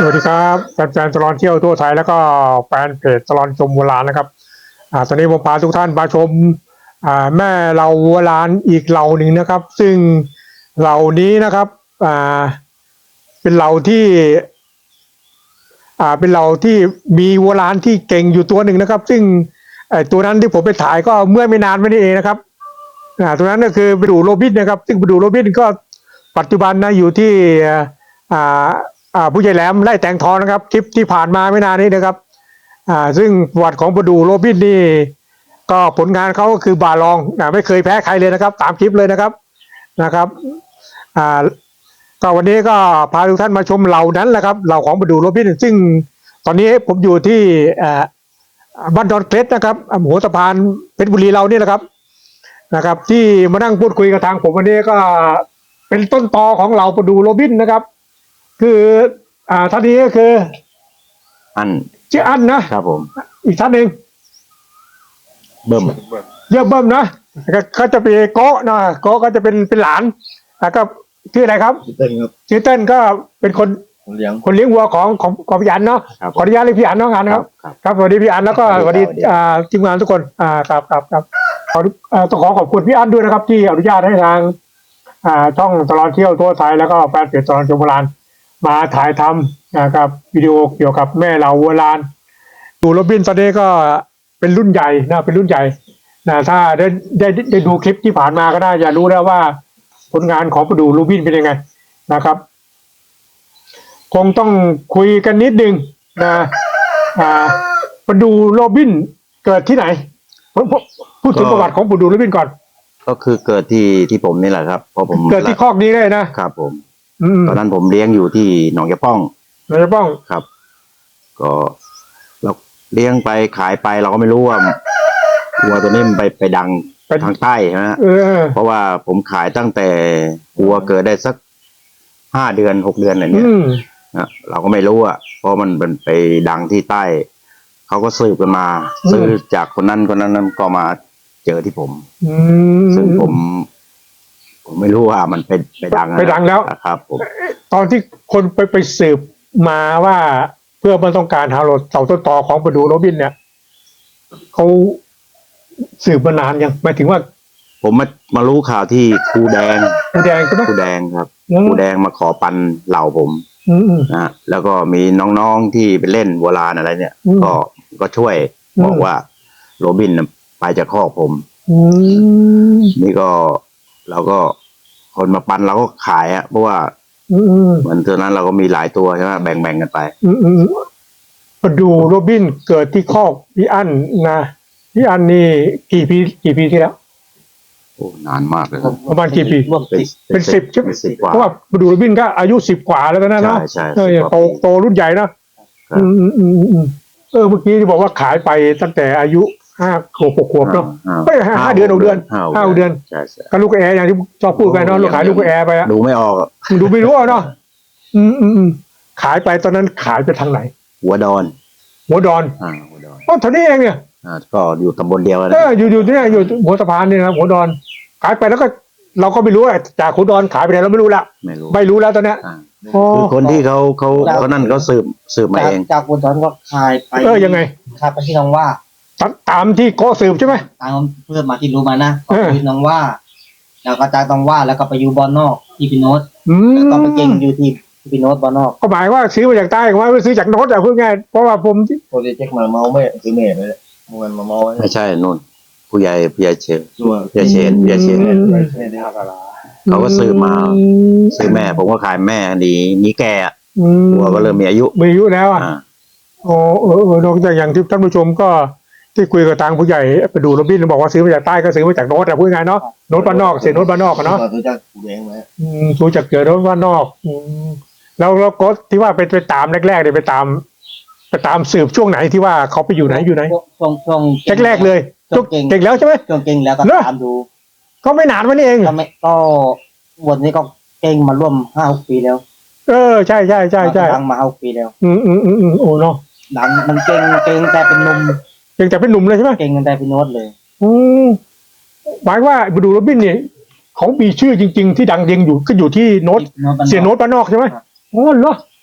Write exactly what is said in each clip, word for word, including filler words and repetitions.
สวัสดีครับแฟนๆตลอดเที่ยวทั่วไทยแล้วก็แฟนเพจตลอดชมวัวลานนะครับอ่าตอนนี้ผมพาทุกท่านมาชมอ่าแม่เราวัวลานอีกเหล่าหนึ่งนะครับ ซึ่งเหล่านี้นะครับอ่าเป็นเหล่าที่อ่าเป็นเหล่าที่มีวัวลานที่เก่งอยู่ตัวหนึ่งนะครับ ซึ่งไอ้ตัวนั้นที่ผมไปถ่ายก็เมื่อไม่นานมานี้เองนะครับอ่าตัวนั้นก็คือไปดูโรบินนะครับ ซึ่งไปดูโรบินก็ปัจจุบันนะอยู่ที่อ่าอ่าผู้ใหญ่แหลมไล่แต่งทองนะครับคลิปที่ผ่านมาไม่นานนี้นะครับอ่าซึ่งประวัติของประดูโรบินนี่ก็ผลงานเขาก็คือบาลองนะไม่เคยแพ้ใครเลยนะครับตามคลิปเลยนะครับนะครับอ่าก็วันนี้ก็พาทุกท่านมาชมเหล่านั้นแหละครับเหล่าของประดูโรบินซึ่งตอนนี้ผมอยู่ที่อ่าบ้านดอนเคล็ดนะครับหัวสะพานเพชรบุรีเรานี่แหละครับนะครับที่มานั่งพูดคุยกับทางผมวันนี้ก็เป็นต้นตอของเหล่าประดูโรบินนะครับคืออ่าท่านนี้ก็คืออันชื่ออันนะครับผมอีกท่านหนึ่งเบิ่มเยอะเบิ่มนะเขาจะเป็นโก้นะโก้ก็จะเป็นเป็นหลานแล้วก็ชื่ออะไรครับชื่อเต้นครับชื่อเต้นก็เป็นคนเลี้ยงคนเลี้ยงวัวของของของพี่อันเนาะขออนุญาตเรียกพี่อันน้องอันนะครับครับสวัสดีพี่อันแล้วก็สวัสดีอ่าทีมงานทุกคนอ่าครับครับครับขอต้องขอขอบคุณพี่อันด้วยนะครับที่อนุญาตให้ทางอ่าช่องตลอดเที่ยวทั่วไทยแล้วก็แฟนเพจตลอดชมโบราณมาถ่ายทำนะครับวิดีโอเกี่ยวกับแม่เราวัวลานดูโรบินตอนนี้ก็เป็นรุ่นใหญ่นะเป็นรุ่นใหญ่นะถ้าได้ได้ได้ดูคลิปที่ผ่านมาก็น่าจะรู้แล้วว่าผลงานของประดูโรบินเป็นยังไงนะครับคงต้องคุยกันนิดนึงนะอ่าประดูโรบินเกิดที่ไหนพูดถึงประวัติของประดูโรบินก่อนก็คือเกิดที่ที่ผมนี่แหละครับเพราะผมเกิดที่คอกนี้เลยนะครับผมตอนนั้นผมเลี้ยงอยู่ที่หนองยาป้องหนองยาป้องครับ ก็เราเลี้ยงไปขายไปเราก็ไม่รู้ว่าวัวตัวนี้มันไปไปดังไปทางใต้ใช่ไหมเพราะว่าผมขายตั้งแต่วัวเกิดได้สักห้าเดือนหกเดือนอะไรเนี้ยนะเราก็ไม่รู้อ่ะเพราะมันเป็นไปดังที่ใต้เขาก็ซื้อกันมาซื้อจากคนนั้นคนนั้นก็มาเจอที่ผมซึ่งผมผมไม่รู้ว่ามันไปไปดังไปดังแล้วครับผมตอนที่คนไปไปสืบมาว่าเพื่อมันต้องการหาเราเต่าต้นตอของประดูโรบินเนี่ยเขาสืบมานานยังหมายถึงว่าผมมามารู้ข่าวที่ครูแดงครูแดงใช่ไหมครูแดงครับครูแดงมาขอปันเหล่าผมนะแล้วก็มีน้องๆที่ไปเล่นโบราณอะไรเนี่ยก็ก็ช่วยบอกว่าโรบินไปจากคอกผมนี่ก็เราก็คนมาปันเราก็ขายอะเพราะว่าเหมือนตอนนั้นเราก็มีหลายตัวใช่ไหมแบ่งๆกันไปประดูโรบินเกิดที่คอกพี่อั้นนะพี่อั้นนี่กี่ปีกี่ปีที่แล้วโอ้นานมากเลยประมาณกี่ปีเป็นสิบใช่ไหมเพราะว่าประดูโรบินก็อายุสิบกว่าแล้วนะเนาะใช่ใช่โตโตรุ่นใหญ่นะอืมอืมอืมอืมเออเมื่อกี้ที่บอกว่าขายไปตั้งแต่อายุห้าขวบหกขวบเนาะไม่ห้าห้าเดือนหกเดือนห้าเดือนก็ลูกแอร์อย่างที่ชอบพูดกันเนาะลูกขายลูกแอร์ไปอะดูไม่ออกดูไม่รู้เนาะอืมอืมอืมขายไปตอนนั้นขายไปทางไหนหัวดอนหัวดอนอ่าหัวดอนอ๋อเท่านี้เองเนี่ยอ่าก็อยู่ตำบลเดียวกันเอออยู่อยู่ที่นี่อยู่หัวสะพานนี่นะหัวดอนขายไปแล้วก็เราก็ไม่รู้อะจากหัวดอนขายไปไหนเราไม่รู้ละไม่รู้ไม่รู้แล้วตอนเนี้ยคือคนที่เขาเขาเขานั่นเขาสืบสืบมาเองจากหัวดอนก็ขายไปเออยังไงขายไปที่น้องว่าตามที่โกสืบใช่ไหมตามเพื่อนมาที่รู้มานะก็คือน้องว่าแล้วก็จากน้องว่าแล้วก็ไปอยู่บอนนอกที่พี่โน้ตแล้วก็ไปเก่งอยู่ที่พี่โน้ตบอนนอกก็หมายว่าซื้อมาจากใต้ว่าไม่ซื้อจากโน้ตอะพูดง่ายเพราะว่าผมโปรเจกต์มาเมาไม่ซื้อเมย์เลยมันมาเมาไม่ใช่นู่นผู้ใหญ่ผู้ใหญ่เชนผู้ใหญ่เชนผู้ใหญ่เชนเขาก็ซื้อมาซื้อแม่ผมก็ขายแม่นี่นี่แกหัวก็เริ่มมีอายุมีอายุแล้วอ่ะโอ้เออเออนอกจากอย่างที่ท่านผู้ชมก็ที่คุยกับทางผู้ใหญ่ไปดูโรบินบอกว่าซื้อมาจากใต้ก็ซื้อมาจากโน้ตแต่พูดง่ายเนาะโน้ตบ้านนอกเสียโน้ตบ้านนอกเนาะรู้จักแย้งไหมอืมรู้จักเกิดโน้ตบ้านนอกอืมแล้วแล้วก็ที่ว่าไปไปตามแรกๆเนี่ยไปตามไปตามสืบช่วงไหนที่ว่าเขาไปอยู่ไหนอยู่ไหนช่วงช่วงแรกๆเลยเก่งแล้วใช่ไหมช่วงเก่งแล้วก็ตามดูก็ไม่นานวันนี้เองก็ไม่ก็วันนี้ก็เก่งมาร่วมห้าหกปีแล้วเออใช่ใช่ใช่ใช่ดังมาห้าปีแล้วอืมอืมอืมอืมโอ้เนาะดังมันเก่งเก่งแต่เป็นหนุ่มเก่งแต่เป็นหนุ่มเลยใช่ไหมเก่งแต่เป็นโน้ตเลยอืมหมายว่าไปดูโรบินเนี่ยเขามีชื่อจริงๆที่ดังเด่งอยู่ก็อยู่ที่โน้ตเสียโน้ตบ้านนอกใช่ไหมอ๋อเหรอโอ้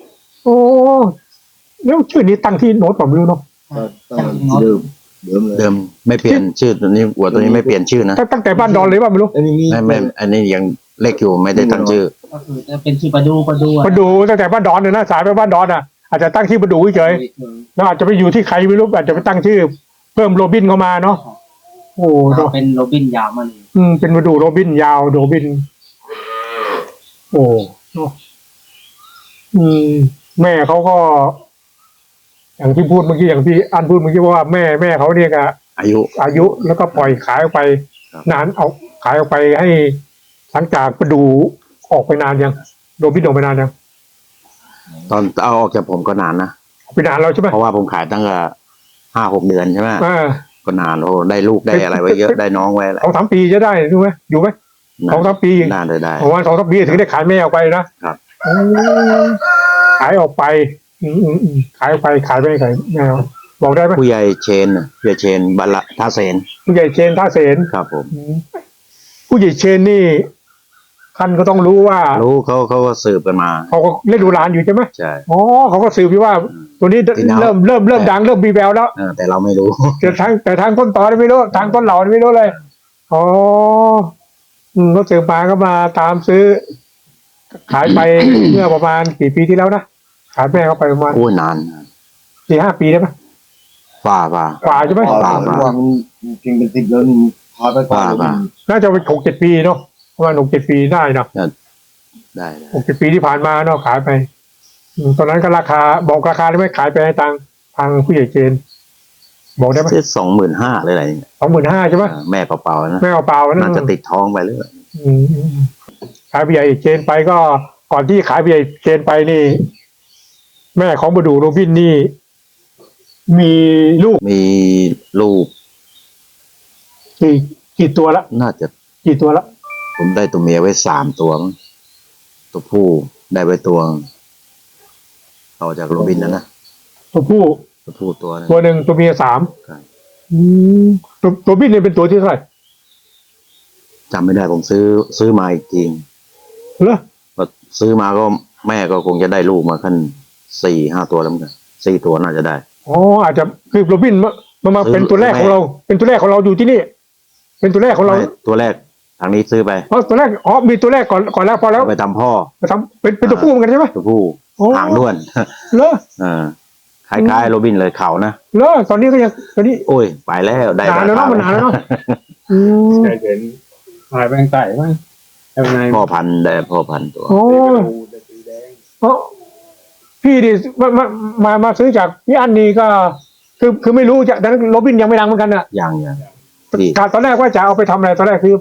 อ้แล้วชื่อนี้ตั้งที่โน้ตผมไม่รู้เนาะก็ต้องเดิมเดิมเลยเดิมไม่เปลี่ยนชื่อตัวนี้วัวตัวนี้ไม่เปลี่ยนชื่อนะตั้งตั้งแต่บ้านดอนเลยว่าไม่รู้อันนี้มีไม่ไม่อันนี้ยังเล็กอยู่ไม่ได้ตั้งชื่อก็คือจะเป็นชื่อประดูประดูอะมาดูตั้งแต่บ้านดอนเนี่ยนะสายไปบ้านดอนอ่ะอาจจะตั้งชื่อมาดูเฉยๆแล้วอาจจะไปอยู่ที่ใครไม่รู้อาจจะไปตั้งชื่อ เพิ่มโรบินเข้ามาเนาะโอ้ก็เนาะเป็นโรบินยาวมันอืมเป็นมาดูโรบินยาวโรบิน โอ้เนาะอืม แม่เขาก็ อย่างที่พูดเมื่อกี้อย่างที่อันพูดเมื่อกี้ว่าแม่แม่เขาเนี่ยก็อายุอายุแล้วก็ปล่อยขายออกไปครับนานเอาขายออกไปให้หลังจากประดูออกไปนานยังโรบินออกไปนานยังตอนเอาออกจากผมก็นานนะออกไปนานแล้วใช่ไหมเพราะว่าผมขายตั้งแต่ห้าหกเดือนใช่ไหมอ่าก็นานโอ้ได้ลูกได้อะไรไว้เยอะได้น้องไว้อะไรสองสามปีจะได้ดูไหมอยู่ไหมสองสามปีนานเลยได้ประมาณสองสามปีถึงได้ขายแม่ออกไปนะครับ โอ้ขายออกไป อืมอืมอืมขายออกไปขายไปขายแม่เอาบอกได้ไหมผู้ใหญ่เชนน่ะผู้ใหญ่เชนบัลละท่าเสนผู้ใหญ่เชนท่าเสนครับผมอืมผู้ใหญ่เชนนี่ท่านก็ต้องรู้ว่ารู้เขาเขาก็สืบกันมาเขาก็เล่นดูหลานอยู่ใช่ไหมใช่อ๋อเขาก็สืบอยู่ว่า ตัวนี้ที่น้ำเริ่มเริ่มเริ่มดังเริ่มมีแววแล้วเออแต่เราไม่รู้แต่ทางแต่ทางต้นตอนี่ไม่รู้ทางต้นเหล่านี่ไม่รู้เลยอ๋ออืมก็สืบมาก็มาตามซื้อ ขายไป เมื่อประมาณกี่ปีที่แล้วนะขายแม่เขาไปประมาณโอ้ยนานสี่ห้าปีได้ไหมฝ่าฝ่ากว่าใช่ไหมพอเราว่ามันจริงเป็นติดแล้วนี่พาไปก่อนน่าจะเป็นหกเจ็ดปีเนาะประมาณหกเจ็ดปีได้เนาะได้ได้หกเจ็ดปีที่ผ่านมาเนาะขายไปอืมตอนนั้นก็ราคาบอกราคาได้ไหมขายไปให้ทางทางผู้ใหญ่เจน บอกได้ไหมซื้อสองหมื่นห้าเลยอะไรเนี่ยสองหมื่นห้าใช่ไหมเออแม่เปล่าๆนะไม่เอาเปล่านะน่าจะติดท้องไปเลยอืมอืมอืมขายผู้ใหญ่เจนไปก็ก่อนที่ขายผู้ใหญ่เจนไปนี่ แม่ของบดูโรบินนี่ มีลูกมีลูกกี่กี่ตัวละน่าจะกี่ตัวละผมได้ตัวเมียไว้สามตัวมั้งตัวผู้ได้ไว้ตัวต่อจากโรบินนะนะตัวผู้ตัวผู้ตัวนึงตัวหนึ่งตัวเมียสามครับอืมตัวตัวบินเนี่ยเป็นตัวที่เท่าไหร่จำไม่ได้ผมซื้อซื้อมาอีกทีเหรอก็ซื้อมาก็แม่ก็คงจะได้ลูกมาขั้นสี่ห้าตัวแล้วเหมือนกันสี่ตัวน่าจะได้อ๋ออาจจะคือโรบินมามามาซื้อเป็นตัวแรกของเรา เป็นตัวแรกของเราอยู่ที่นี่ เป็นตัวแรกของเราไม่ตัวแรกทางนี้ซื้อไปอ๋อตัวแรกอ๋อมีตัวแรกก่อนก่อนแล้วพอแล้วเอาไปทำพ่อมาทำเป็นเป็นตัวผู้เหมือนกันใช่ไหมตัวผู้โอ้หางด้วนเหรอเออคล้ายๆโรบินเลยเขานะเหรอตอนนี้ก็ยังตอนนี้โอ้ยไปแล้วได้นานแล้วเนาะมันนานแล้วเนาะอืมเคยเห็นหายไปทางใต้บ้างทำไงพ่อพันธุ์ได้พ่อพันธุ์ตัวโอ้ดูแต่สีแดงเพราะพี่ดิมามามามาซื้อจากพี่อันนี้ก็ คือคือไม่รู้จะดังนั้นโรบินยังไม่ดังเหมือนกันน่ะยังยังที่ตอนแรกว่าจะเอาไปทำอะไรตอนแรกซื้อไป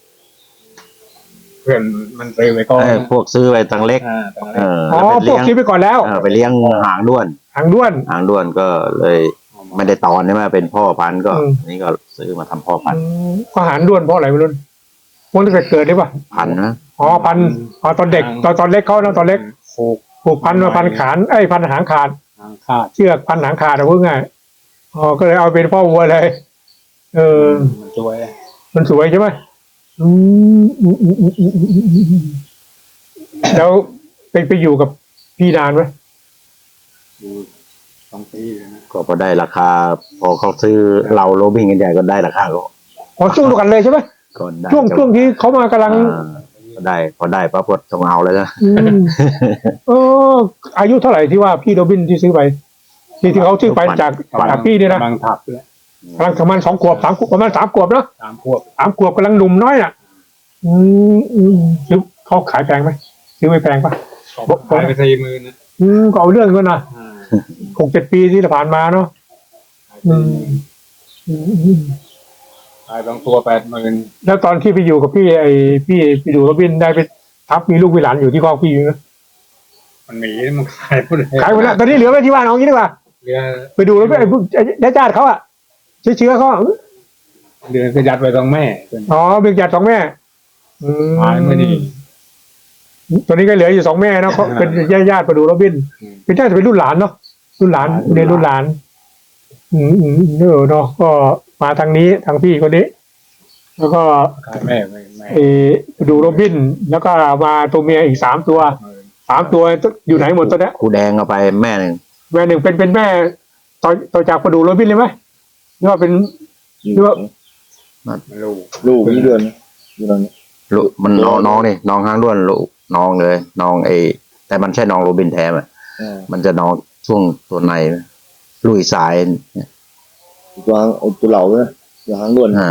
เพื่อนมันซื้อไปก่อนเออพวกซื้อไปตังเล็กอ่าตรงเอนั้นออ๋อแล้วพไปวกเลี้ยงซื้อไปก่อนแล้วเออไปเลี้ยงหางด้วนหางด้วนหางด้วนก็เลยไม่ได้ตอนใช่ไหมเป็นพ่อพันธุ์ก็อืมนี่ก็ซื้อมาทำพ่อพันอืธุ์มก็หางด้วนเพราะอะไรไม่รู้มันตั้งแต่เกิดเลยป่ะพันธุ์นะอ๋อพันอ๋อตอนเด็กตอนตอนเล็กเขานะตอนเล็กผูกผูกพันมาพันขานไอ้ยพันหางขาดทางขาดเชือกพันหางขาดเอาพูดง่ายอ๋อก็เลยเอาเป็นพ่อวัวเลย เออมันช่วยมันสวยใช่ไหมอืมอืมอืมอืมอืมอืมอืมอืมแล้วไปไปอยู่กับพี่นานไหมดูสองปีเลยนะก็พอได้ราคา พอเขาซื้อเราโรบินกันใหญ่ก็ได้ราคาก็อ๋อช่วงเดียวกันเลยใช่ไหมก็ได้ช่วงช่วงที่เขามากำลังอ่าก็ได้พอได้ปั๊บก็ต้องเอาเลยนะอืมเอออายุเท่าไหร่ที่ว่าพี่โรบินที่ซื้อไป ที่ที่เขาซื้อไปจากจากพี่เนี่ยนะกำลังถับเลยกำลังประมาณสองขวบสามขวบประมาณสามขวบเนอะสามขวบสามขวบกำลังหนุ่มน้อยอ่ะ อืมอืมซื้อเขาขายแพงไหมซื้อไม่แพงปะขายไปสี่หมื่นนะอืมก็เอาเรื่องกันนะอ่าหกเจ็ดปีที่ผ่านมาเนาะขายอืสี่มหมื่นอืมอืมขายสองตัวแปดหมื่นแล้วตอนที่ไปอยู่กับพี่ไอ้พี่ไปดูโรบินได้ไปทับมีลูกมีหลานอยู่ที่คอกพี่อยู่นะมันหนีมันขายหมดเลยขายไปแล้วตอนนี้เหลือไว้ที่บ้านเอางี้ดีกว่าเรือไปดูแล้วไอ้พวกญาติๆเขาอะเชื้อเชื้อเขาอะเรือก็ยัดไว้ตรงแม่เป็นอ๋อเป็นญาติสองแม่อืมขายไม่ดีตอนนี้ก็เหลืออยู่สองแม่เนาะเขาเป็นญาติญาติๆไปดูโรบินอืมเป็นน่าจะเป็นรุ่นหลานเนาะรุ่นหลานเรียนรุ่นหลาน อืมอืมเนอะเนาะก็มาทางนี้ทางพี่คนนี้ แล้วก็ขายแม่ไม่แม่เออไปดูโรบิน แล้วก็มาตัวเมียอีกสามตัวหมื่นสามตัวอยู่ไหนหมดตัวเนี้ยครูแดงเอาไปแม่หนึ่งแม่หนึ่งเป็นเป็นแม่ต่อต่อจากประดูโรบินเลยไหมหรือว่าเป็นหรือว่าไม่รู้ลูกนี่เดือนอยู่นั่นลูกมันน้องน้องนี่น้องห้างด้วนลูกน้องเลยน้องไอแต่มันใช่น้องโรบินแท้ไหมอ่ามันจะน้องช่วงตัวในไหมลุยสายเนี่ยตัวหางเอาตัวเหล่าเนี่ยตัวหางล้วนอ่า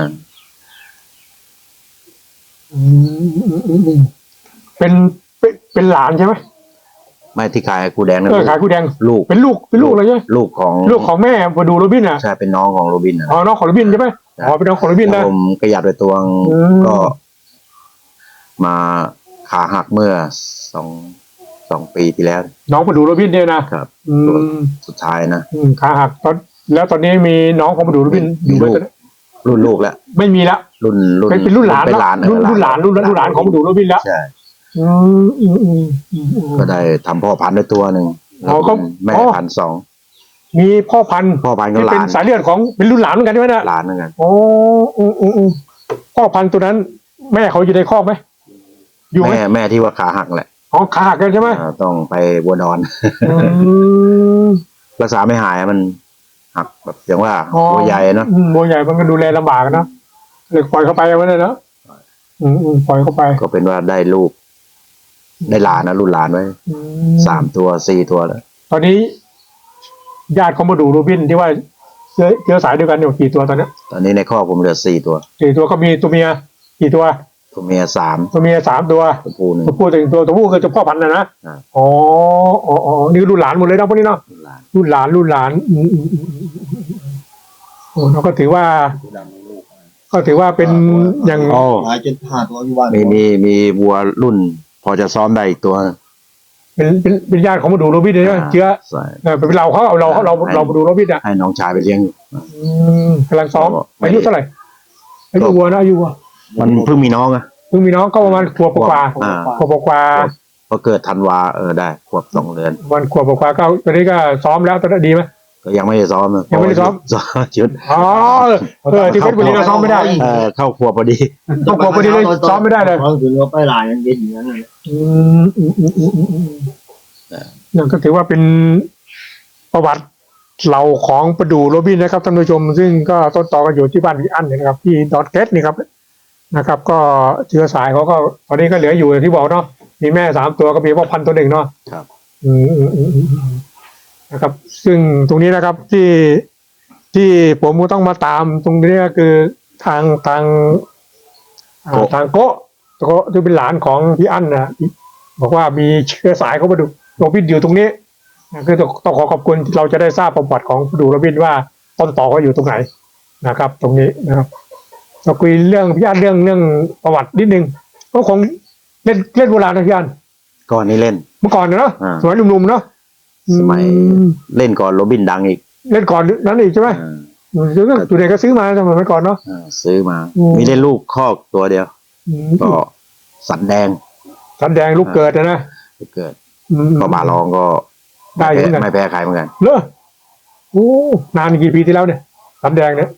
อืมอืมอืมอืมเป็นเป็นเป็นหลานใช่ไหมไม่ที่ขายครูแดงนั่นเออขายกูแดงลูกเป็นลูกเป็นลูกเลยใช่ไหมลูกของลูกของแม่ประดูโรบินอ่ะใช่เป็นน้องของโรบินนะอ๋อน้องของโรบินใช่ไหมอ๋อเป็นน้องของโรบินนะผมกระยัดไปตัวงอืมก็ มาขาหักเมื่อสองสองปีที่แล้วน้องประดูโรบินเนี่ยนะครับ อืมสุดท้ายนะอืมขาหักตอนแล้วตอนนี้มีน้องของประดูโรบินอมียู่ไหมลูก รุ่นลูกแล้วไม่มีละรุ่นรุ่นเป็นเป็นรุ่นหลานเป็นเนาะหลานรุ่นรุ่นหลานรุ่นรุ่นหลานของประดูโรบินแล้วใช่อืมอืมอืมอืมอืมก็ได้ทำพ่อพันธุ์ด้วยตัวหนึ่งอ๋อก็แม่อ๋อพันธุ์สองมีพ่อพันธุ์พ่อพันธุ์ก็ที่หเป็นลานสายเลือดของเป็นรุ่นหลานเหมือนกันใช่ไหมเนี่ยหลานเหมือนกันโอ้อืมอืมอืมพ่อพันธุ์ตัวนั้น แม่เขาอยู่ในคอกไหมอยู่ไหมแม่แม่ที่ว่าขาหักแหละอ๋อขาหักกันใช่ไหมอ่าต้องไปบัวนอนอืมรักษาไม่หายมันหักแบบอย่างว่าอ๋อตัวใหญ่เนาะอืมบัวใหญ่มันก็ดูแลลำบากนะเลยปล่อยเข้าไปเอาไว้เลยเนาะอืมอืมปล่อยเข้าไปก็เป็นว่าได้ลูก ได้หลานนะรุ่นหลานไว้อืสามตัวสี่ตัวแล้วตอนนี้ ญาติเขามาดูโรบินที่ว่าเชื้อเชื้อสายเดียวกันอยู่กี่ตัวตอนเนี้ยตอนนี้ในข้อกผมเหลือสี่ตัวสี่ตัวก็มีตัวเมียกี่ตัวตัวเมียสามตัวเมียสามตัวตัวผู้หนึ่งตัวผู้ถึงตัวตัวผู้คือเจ้าพ่อพันธุ์นะนะอ่าอ๋ออ๋ออ๋อนี่รุ่นหลานหมดเลยนะพวกนี้เนาะรุ่นหลานรุ่นหลานรุ่นหลานอืมอืมอืมอืมอืมโอ้เราก็ถือว่าผู้ดำมีลูกก็ถือว่าเป็นอย่างอ๋อหายจนห้าตัวอยู่บ้านมีมีมีวัวรุ่น พอจะซ้อมได้อีกตัวเป็นเป็นเป็นญาติของมาดูโรบินเลยนะเชื้อใช่เออเป็นเราเขาเอาเราเราเรามาดูโรบินอ่ะให้น้องชายไปเลี้ยงอยู่อืมกำลังซ้อมไม่อายุเท่าไหร่อายุวัวนะอายุวัวมันเพิ่งมีน้องอะเพิ่งมีน้องก็ประมาณขวบกว่าอ่าขวบกว่าพอเกิดธันวาเออได้ขวบสองเดือนวันขวบกว่าก็ตอนนี้ก็ซ้อมแล้วตอนนี้ดีไหมก็ยังไม่ได้ซ้อมนะยังไม่ได้ซ้อมซ้อมชุดอ๋อเออที่เพชรบุรีเราซ้อมไม่ได้เออเข้าขวบพอดีเข้าขวบพอดีเลยซ้อมไม่ได้เลยเขาถึงว่าไปหลายยังเย็นอยู่นั่นเลยอืมอืมอืมอืมอืมอืมนั่นก็ถือว่าเป็นประวัติเราของประดูโรบินนะครับท่านผู้ชม ซึ่งก็ต้นตอกันอยู่ที่บ้านพี่อั้นเนี่ยนะครับที่ดอทเกตนี่ครับนะครับ ก็เชื้อสายเขาก็ตอนนี้ก็เหลืออยู่อย่างที่บอกเนาะมีแม่สามตัวก็มีพ่อพันธุ์ตัวหนึ่งเนาะครับอืมอืมอืมอืมอืมนะครับ ซึ่งตรงนี้นะครับที่ที่ผมก็ต้องมาตามตรงนี้ก็คือทางทางอ่าโกะทางโกะโกะที่เป็นหลานของพี่อั้นนะบอกว่ามีเชื้อสายเขามาดูโรบินอยู่ตรงนี้นะคือต้องต้องขอขอบคุณที่เราจะได้ทราบประวัติของดูโรบินว่าต้นต่อเขาอยู่ตรงไหนนะครับ ตรงนี้นะครับเราคุยเรื่องพี่อั้นเรื่องเรื่องประวัตินิดนึงก็คงเล่นเล่นโบราณนะพี่อั้นก่อนนี้เล่นเมื่อก่อนเนาะอ่าสมัยหนุ่มๆเนาะสมัยอืมเล่นก่อนโรบินดังอีกเล่นก่อนนั้นอีกใช่ไหมอ่าอืมซื้อตัวเด็กก็ซื้อมาสมัยก่อนเนาะอ่าซื้อมาอืมมีได้ลูกคอกตัวเดียวอืมก็สันแดงสันแดงลูกเกิดนะนะเกิดอืมก็มาลองก็ได้อยู่เหมือนกันไม่แพ้ใครเหมือนกันเลอโอ้นานกี่ปีที่แล้วเนี่ยสันแดงเนี่ย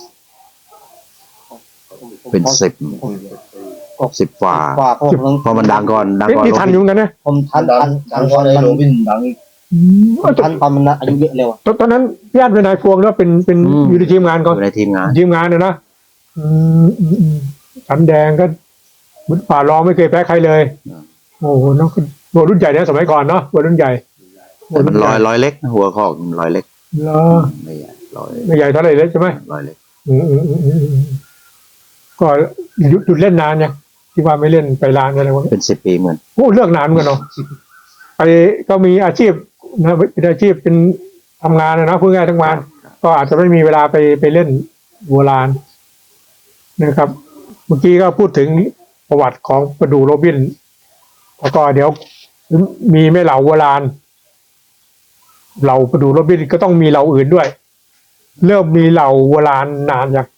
เป็นสิบสิบกว่ากว่าผมเพราะมันดังก่อนดังเอ๊ะก่อนนี่ทันอยู่เหมือนกันนะผมทันดัทังนดัทังนก็ตอนเลยมันโรบินดังอีกอืมผมทันตอนมันอายุเยอะเร็วอะตอนตอนนั้นพี่อันเป็นนายพวงหรือว่าเป็นเป็นอยู่ในทีมงานอก่อนยู่ในทีมงานทีมงานเนี่ยนะอืมอืมอืมสันแดงก็เหมือนป่ารองไม่เคยแพ้ใครเลย โอ้โหน้องตัวรุ่นใหญ่เนี่ยสมัยก่อนเนาะตัวรุ่นใหญ่แต่มันลอยลอยเล็กนะหัวคอกมันลอยเล็กเหรอไม่ใหญ่ลอยไม่ใหญ่เท่าไหร่เลยใช่ไหมลอยเล็กอืมอืมอืมอืมอืมก็หยุดหยุดเล่นนานยังที่ว่าไม่เล่นไปร้านอะไรวะเป็นสิบปีเหมือนโอ้เลิกนานเหมือนกันเนาะไปก็มีอาชีพนะเป็นอาชีพเป็นทำงานนะนะพูดง่ายๆทั้งวันก็อาจจะไม่มีเวลาไปไปเล่นโบราณนะครับ เมื่อกี้ก็พูดถึงประวัติของประดูโรบินแล้วก็เดี๋ยวมีแม่เหล่าโบราณเหล่าประดูโรบินก็ต้องมีเหล่าอื่นด้วย เริ่มมีเหล่าโบราณนานยัง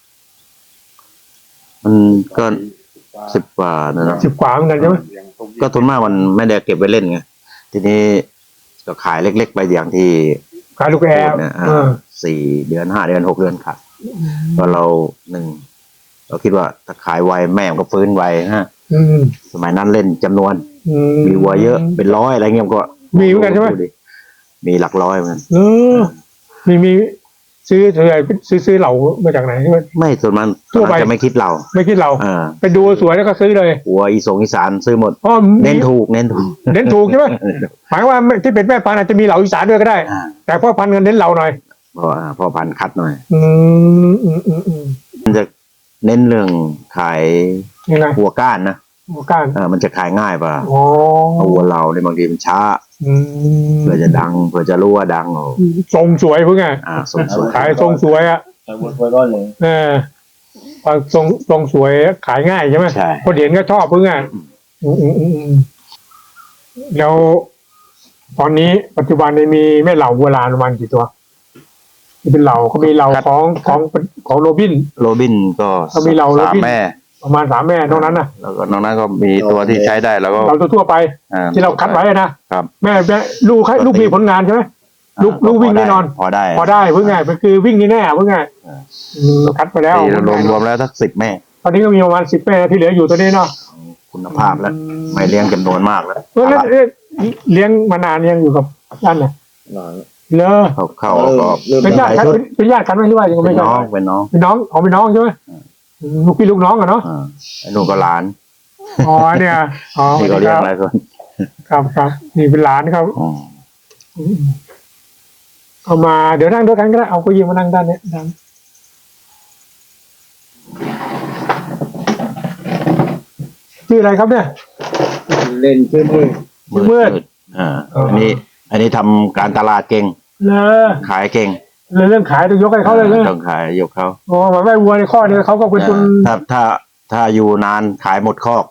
มันก็สิบกว่านะเนอะสิบกว่าเหมือนกันใช่ไหมก็ทุนมากมันไม่ได้เก็บไว้เล่นไงทีนี้ก็ขายเล็ก ๆ ไปอย่างที่ขายลูกแอพูร์ดเนี่ยอ่าเออสี่เดือนห้าเดือนหกเดือนขายก็เราหนึ่งเราคิดว่าถ้าขายไวแม่มันก็ฟื้นไวฮะอืมสมัยนั้นเล่นจำนวนออืมีวัวเยอะเป็นร้อยอะไรเงี้ยก็มีเหมือนกันใช่ไหมดูดิมีหลักร้อยเหมือนกันเออมีมีซื้อเท่าไหร่ซื้อซื้อเหล่ามาจากไหนใช่ไหมไม่ส่วนมันทั่วไปจะไม่คิดเราไม่คิดเราอ่าไปดูสวยแล้วก็ซื้อเลยวัวอีสงอีสานซื้อหมดอ๋อเน้นถูกเน้นถูกเน้นถูกใช่ไหมหมายว่าที่เป็นแม่พันธุ์อาจจะมีเหล่าอีสานด้วยก็ได้อ่าแต่พ่อพันธุ์กันเน้นเหล่าหน่อยเพราะว่าพ่อพันธุ์คัดหน่อยอืมอืมอืมอืมมันจะเน้นเรื่องขายยังไงวัวก้านนะหัวก้านเออมันจะขายง่ายป่ะอ๋อเอาวัวเราเนี่ยบางทีมันช้าอืมเพื่อจะดังเพื่อจะรู้ว่าดังโอ้ทรงสวยเพิ่งไงอ่าสมสวยขายทรงสวยอ่ะใส่วัวไว้ก้อนเลยเออพอทรงทรงสวยขายง่ายใช่ไหมใช่คนเห็นก็ชอบเพิ่งไงอืมอืมอืมอืมแล้วตอนนี้ปัจจุบันนี้มีแม่เหล่าโบราณประมาณกี่ตัวที่เป็นเหล่าเขามีเหล่าของของของโรบินโรบินก็ก็มีเราโรสามบินแม่ประมาณสามแม่นอกนั้นนะแล้วก็นอกนั้นก็มีตัวที่ใช้ได้แล้วก็เราทั่วๆไปอ่ที่เราคัดไว้นะครับ แม่แม่ลูกให้ลูกมีผลงานใช่ไหม ลูกอ่าลูกวิ่งพแน่นอนพอได้พอได้เพิ่งไงมันคือวิ่งนี่แน่เพิ่งไงอ่าอืมคัดไปแล้วตีรวมรวมแล้วสักสิบแม่ตอนนี้ก็มีประมาณสิบแม่ที่เหลืออยู่ตัวนี้เนาะคุณภาพแล้ว ไม่เลี้ยงจำนวนมากแล้วเออแล้วเอ๊ะเลี้ยงมานานยังอยู่กับด้านน่ะหลานเลอเขาเข้าก็เริ่มเป็นญาติกันเป็นเป็นญาติกันไหมหรือว่ายังเป็ไม่นใช่น้องเป็นน้องเป็นน้องของเป็นน้องใช่ไหมลูกพี่ลูกน้องอะเนาะอ่าไอ้นู่นก็หลานอ๋อเนี่ยอ๋อนี่ก็เลี้ยงหลายคนครับครับนี่เป็นหลานครับอืมอืมเอามาเดี๋ยวนั่งด้วยกันก็ได้เอาเก็ยิงมานั่งด้านเนี้ยด้านชื่ออะไรครับเนี่ยเล่นชื่อมือมืดมืดอ่าอ๋ออัอันนี้ อันนี้ทำการตลาดเก่งเลอขายเก่งเลยเรื่องขายต้องยกให้เขาเลยเลยต้องขายยกเขาอ๋อหมายว่าวัวในข้อเนี่ยเขาก็เป็นคนถ้าถ้าถ้าอยู่นานขายหมดคอก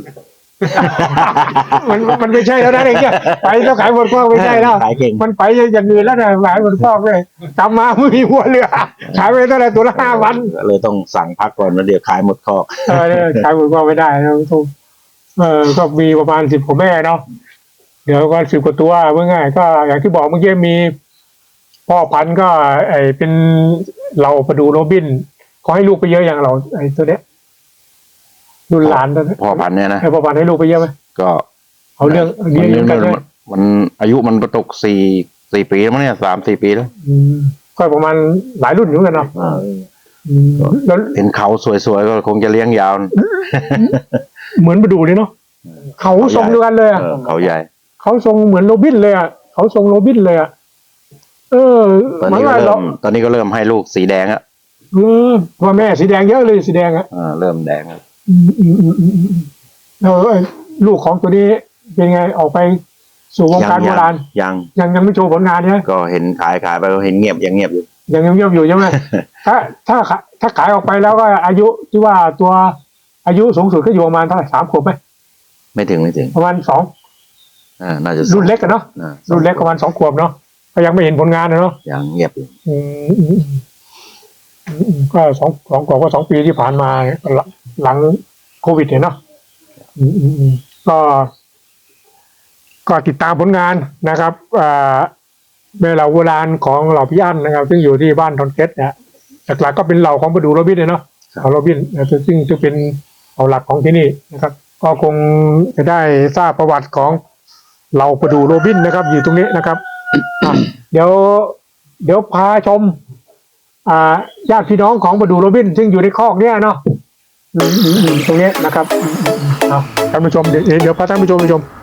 มันมันไม่ใช่แล้วนะไอ้เนี่ยไปแล้วขายหมดข้อไม่ใช่แล้วขายเก่งมันไปอย่างอื่นแล้วนะขายหมดข้อเลยกลับมาไม่มีวัวเหลือขายไปเท่าไหร่ตัวละห้าวันก็เลยต้องสั่งพักก่อนแล้วเดี๋ยวขายหมดคอกเออเนี่ยขายหมดข้อไม่ได้นะทุกเออก็มีประมาณสิบกว่าแม่เนาะเดี๋ยวก็สิบกว่าตัวเมื่อไงก็อย่างที่บอกเมื่อกี้มี พ่อพันธุ์ก็ไอเป็นเราประดูโรบินเขาให้ลูกไปเยอะอย่างเราไอตัวเนี้ยรุ่นหลานตัวเนี้ยพ่อพันธุ์เนี่ยนะไอพ่อพันธุ์ให้ลูกไปเยอะไหมก็เอาเรื่องเลี้ยงเลี้ยงกันด้วยมันมันอายุมันประตกสี่สี่ปีแล้วมั้งเนี่ยสามสี่ปีแล้วอืมก็ประมาณหลายรุ่นอยู่เหมือนกันเนาะอ่าอืมแล้วเห็นเขาสวยๆก็คงจะเลี้ยงยาวนะเหมือนประดูเลยเนาะเขาทรงเดียวกันเลยอะเออเขาใหญ่เขาทรงเหมือนโรบินเลยอ่ะเขาทรงโรบินเลยอ่ะเออตอนหมายนี้ก็ว่าเริ่เรามตอนนี้ก็เริ่มให้ลูกสีแดงอ่ะเออว่าแม่สีแดงเยอะเลยสีแดงอ่ะอ่าเริ่มแดงแล้วอืมอืมอืมอืมอืมแล้วไอ้ลูกของตัวนี้เป็นไงออกไปสู่วงการโบราณยังยังยังไม่โชว์ผลงานเนี่ยก็เห็นขายขายไปก็เห็นเงียบยังเงียบอยู่ยังยังเงียบอยู่ใช่ไหม ถ้าถ้าขาถ้าขายออกไปแล้วก็อายุที่ว่าตัวอายุสูงสุดก็อยู่ประมาณเท่าไหร่สามขวบไหมไม่ถึงไม่ถึงประมาณสองอ่าน่าจะรุ่นเล็กกันเนาะอ่ารุ่นเล็กประมาณสองขวบเนาะก็ยังไม่เห็นผลงานนะเนาะยังเงียบอยู่อืมอืมอืมอืมอืมก็สองสองขวบก็สองปีที่ผ่านมาหลังหลังโควิดเนี่ยเนาะอืมอืมอืมก็ ก็ติดตามผลงานนะครับอ่าเมื่อเหล่าโบราณของเหล่าพี่อั้นนะครับ ซึ่งอยู่ที่บ้านทอนเก็ตเนี่ยหลักๆก็เป็นเหล่าของประดูโรบินเลยเนาะของโรบินนะซึ่งจะเป็นเหล่าหลักของที่นี่นะครับ ก็คงจะได้ทราบประวัติของเหล่าประดูโรบินนะครับ อยู่ตรงนี้นะครับ อ่ะเดี๋ยว เดี๋ยวพาชม อ่าญาติพี่น้องของประดูโรบิน ซึ่งอยู่ในคอกเนี่ยเนาะอืมอืมอืมตรงนี้นะครับอืมอืมอืมเอาท่านผู้ชมเดี๋ยวเดี๋ยวพาท่านผู้ชมไปชม